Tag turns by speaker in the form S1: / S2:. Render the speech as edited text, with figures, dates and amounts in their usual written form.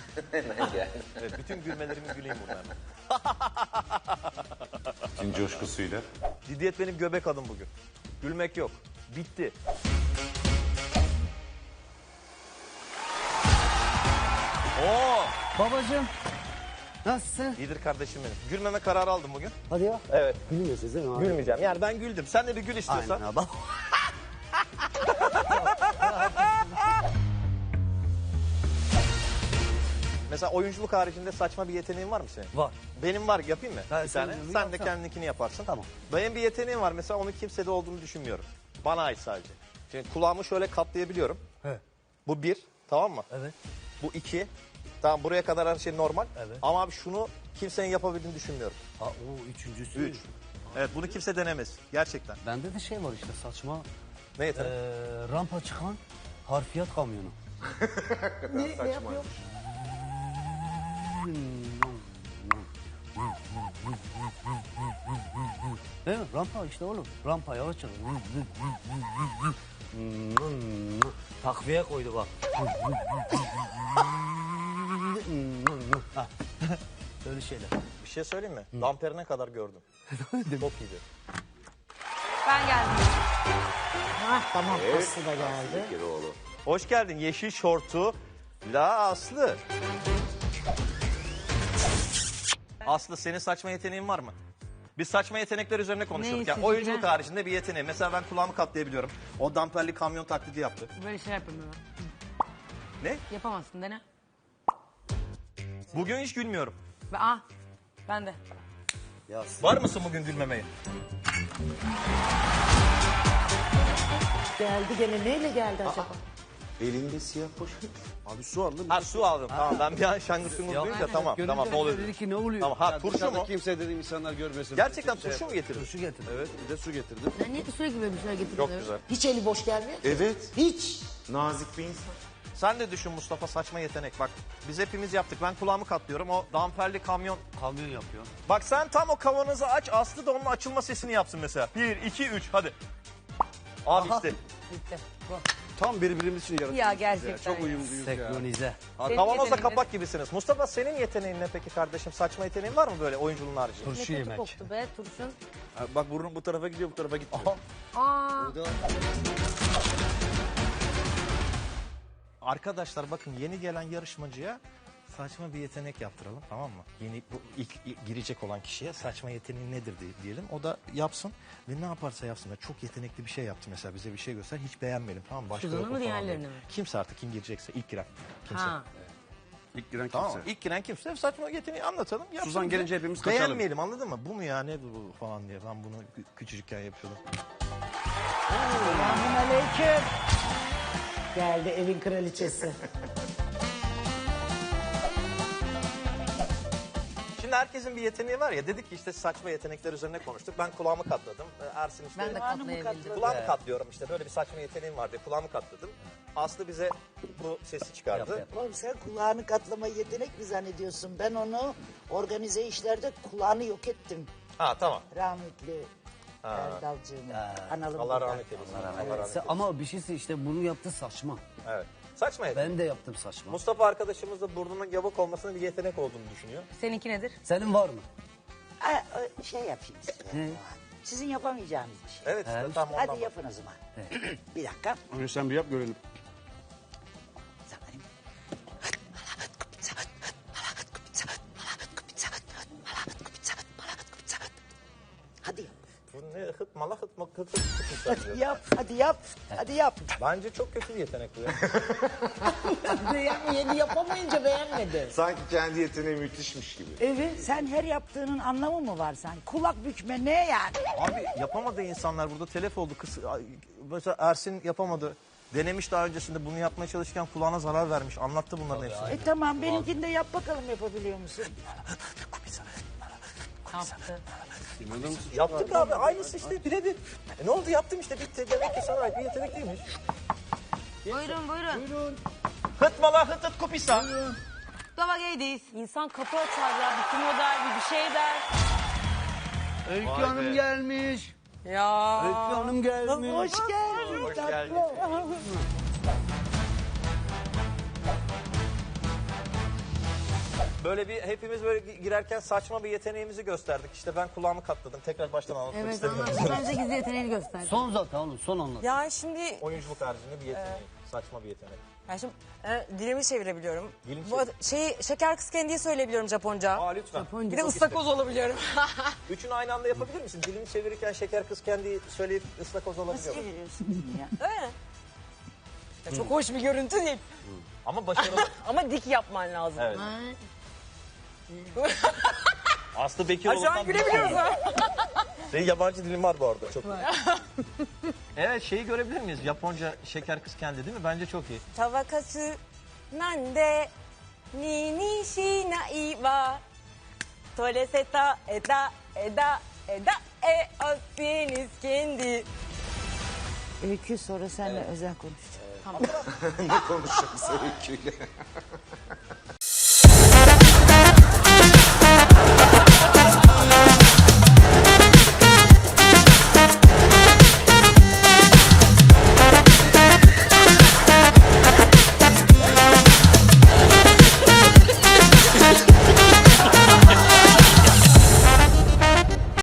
S1: Evet, bütün gülmelerimi güleyim buradan.
S2: Kim coşkusuyla?
S1: Ciddiyet benim göbek adım bugün. Gülmek yok. Bitti. Oo,
S3: Babacığım. Nasılsın?
S1: iyidir kardeşim benim. Gülmeme kararı aldım bugün.
S3: Hadi ya.
S1: Evet.
S3: Gülmüyorsunuz değil mi abi?
S1: Gülmeyeceğim. Yani ben güldüm. Sen de bir gül istiyorsan.
S3: Aynen abi.
S1: Mesela oyunculuk haricinde saçma bir yeteneğin var mı senin?
S3: Var.
S1: Benim var, yapayım mı?
S3: Ha,
S1: Bir
S3: sen
S1: tane.
S3: onu
S1: Sen de
S3: yapsana.
S1: kendininkini yaparsın.
S3: Tamam.
S1: Benim bir yeteneğim var. Mesela onun kimsede olduğunu düşünmüyorum. Bana ait sadece. Şimdi kulağımı şöyle katlayabiliyorum.
S3: He.
S1: Bu bir. Tamam mı?
S3: Evet.
S1: Bu iki. Tamam, buraya kadar her şey normal.
S3: Evet.
S1: Ama abi şunu kimsenin yapabildiğini düşünmüyorum.
S3: Ha, o üçüncüsü.
S1: 3. Evet, bunu kimse denemez. Gerçekten.
S3: Bende de şey var işte saçma.
S1: Ne yetenek?
S3: Rampa çıkan harfiyat kamyonu.
S2: Ne yapıyor?
S3: Değil mi? Rampa işte oğlum. Rampa yavaş çık. Takviye koydu bak. Ha. Öyle şeyler.
S1: Bir şey söyleyeyim mi? Damperine kadar gördüm. Çok iyiydi.
S4: Ben geldim.
S5: Tamam Aslı da geldi.
S2: Keroğlu.
S1: Hoş geldin yeşil şortu. La Aslı. Aslı, senin saçma yeteneğin var mı? Biz saçma yetenekler üzerine konuşuyorduk. Yani
S4: Neyse,
S1: oyunculuk
S4: yine.
S1: haricinde bir yeteneği. Mesela ben kulağımı katlayabiliyorum. O damperli kamyon taklidi yaptı.
S4: Böyle şey yapamıyorum.
S1: Ne?
S4: Yapamazsın dene.
S1: Bugün hiç gülmüyorum.
S4: Ben de.
S1: Var mısın bugün gülmemeye?
S5: Geldi gene neyle geldi acaba?
S2: Elinde siyah poşet.
S3: Abi su aldım.
S1: Ha, su aldım. Tamam, ben bir an şangır şungur duyunca tamam. Tamam, ne oluyor?
S3: Dedi ki ne oluyor?
S1: Tamam, ha, turşu mu?
S6: Kimse dedim insanlar görmesin.
S1: Gerçekten turşu mu getirdin?
S3: Turşu getirdim.
S6: Evet, bir de su getirdim.
S4: Sen niye sürekli böyle bir şeyler getiriyorsun?
S1: Çok güzel.
S5: Hiç eli boş gelmiyor.
S2: Evet.
S5: Hiç.
S2: Nazik bir insan.
S1: Sen de düşün Mustafa, saçma yetenek. Bak, biz hepimiz yaptık. Ben kulağımı katlıyorum. O damperli kamyon.
S3: Kamyon yapıyor.
S1: Bak, sen tam o kavanozu aç. Aslı da onun açılma sesini yapsın mesela. 1, 2, 3 hadi. Abi işte.
S4: Bitti.
S6: Tam birbirimiz için yarattık.
S4: Ya gerçekten.
S6: Çok uyumluyuz ya.
S3: Senkronize.
S4: Senin
S1: Kavanozla
S4: yeteneğin
S1: kapak gibisiniz. Mustafa, senin yeteneğin ne peki kardeşim? Saçma yeteneğin var mı böyle oyunculuğun haricinde?
S3: Turşu
S4: ne kötü
S3: yemek.
S4: koktu be turşun.
S6: Ha, bak burnun bu tarafa gidiyor, bu tarafa gitmiyor.
S4: Aa,
S1: Arkadaşlar bakın, yeni gelen yarışmacıya saçma bir yetenek yaptıralım, tamam mı? Yeni bu ilk girecek olan kişiye saçma yeteneği nedir diyelim. O da yapsın ve ne yaparsa yapsın. Çok yetenekli bir şey yaptı mesela, bize bir şey göster. Hiç beğenmedim, tamam mı? Başka
S4: Suzan'ı
S1: yok o
S4: mı,
S1: falan
S4: diğerlerini
S1: diye.
S4: mi?
S1: Kimse artık, kim girecekse ilk giren. Kimse.
S4: ha.
S6: İlk giren
S1: Tamam
S6: kimse.
S1: mı? İlk giren kimse saçma yeteneği anlatalım. Yapsın
S6: Suzan
S1: bize.
S6: gelince hepimiz kaçalım.
S1: Beğenmeyelim, anladın mı? Bu mu ya, ne bu falan diye. Ben bunu küçücükken yapıyordum.
S5: Selamünaleyküm. Geldi evin kraliçesi.
S1: Şimdi herkesin bir yeteneği var ya, dedik ki işte saçma yetenekler üzerine konuştuk. Ben kulağımı katladım. Ersin işte
S4: Ben de katlayabildim.
S1: kulağımı katlıyorum işte, böyle bir saçma yeteneğim var diye kulağımı katladım. Aslı bize bu sesi çıkardı.
S3: Yap.
S5: Oğlum sen kulağını katlama yetenek mi zannediyorsun? Ben onu organize işlerde kulağını yok ettim.
S1: Ha, tamam.
S5: Rahmetli Erdalcığımın. Analım
S1: Allah
S5: burada.
S1: rahmet eylesin. Allah rahmet eylesin.
S3: Ama bir şeyse işte bunu yaptı saçma.
S1: Evet. Saçma yetenek.
S3: Ben de yaptım saçma.
S1: Mustafa arkadaşımız da burnunun yabuk olmasının bir yetenek olduğunu düşünüyor.
S4: Seninki nedir?
S3: Senin var mı?
S5: Şey yapayım size.
S3: Ne?
S5: Sizin yapamayacağınız bir şey.
S1: Evet, işte tam ondan.
S5: Hadi yapın o zaman. Bir dakika.
S6: Önce sen bir yap görelim.
S5: Hadi yap.
S1: Bu ne hıt mala hıt mı hıt hıt hıt hıt.
S5: Yap, hadi yap. Hadi yap.
S1: Bence çok kötü bir yetenek bu ya.
S5: Yeni yapamayınca beğenmedi.
S2: Sanki kendi yeteneği müthişmiş gibi.
S5: Evet, sen her yaptığının anlamı mı var sen? Kulak bükme ne yani?
S1: Abi yapamadı insanlar, burada telef oldu. Mesela Ersin yapamadı. Denemiş daha öncesinde, bunu yapmaya çalışırken kulağına zarar vermiş. Anlattı bunların hepsini.
S5: Tamam, benimkini de yap bakalım yapabiliyor musun?
S4: Yaptı.
S1: Yaptık abi, aynısı işte, birebir. Ne oldu, yaptım işte, bitti. Demek ki sana ait bir yetenek değilmiş.
S4: Buyurun.
S1: Hıtmala hıt hıt kupisa.
S4: Dava gaydiz. İnsan kapı açar ya. Bir kim o der, bir şey der.
S3: Öykü
S1: Vay
S3: Hanım
S1: be.
S3: gelmiş.
S4: Ya.
S3: Öykü Hanım gelmiş.
S5: Hoş geldin.
S1: Hoş geldin. Böyle bir hepimiz böyle girerken saçma bir yeteneğimizi gösterdik. İşte ben kulağımı katladım. Tekrar baştan anlatmak
S7: Evet
S1: istemiyorum.
S7: anlat. Bence gizli yeteneğini göster.
S3: Son zaten oğlum son anlat.
S8: Ya şimdi,
S1: Oyunculuk haricinde bir yeteneği. Saçma bir yetenek.
S8: ya şimdi dilimi çevirebiliyorum.
S1: Dilini
S8: Şeker kız kendiyi söyleyebiliyorum Japonca.
S1: Aa lütfen.
S8: Bir de ıstakoz olabiliyorum.
S1: Üçünü aynı anda yapabilir misin? Dilini çevirirken şeker kız kendi söyleyip ıstakoz olabiliyor.
S5: Nasıl çeviriyorsun ya?
S8: Öyle mi? Ya çok hoş bir görüntü değil.
S1: Ama başarılı.
S8: Ama dik yapman lazım.
S1: Evet.
S7: Ha,
S1: Aslı
S8: Ha,
S1: Bekiroğlu'ndan
S8: şu an gülebiliyoruz ha.
S1: Senin yabancı dilin var bu arada. Çok iyi. Evet şeyi görebilir miyiz? Japonca şeker kız kendi değil mi? Bence çok iyi.
S8: Tavakası nande ni ni shinai wa toreseta eda eda eda o deniz kendi.
S5: Öykü sonra seninle özel konuşacağım.
S2: Ne konuşacağız öyküyle?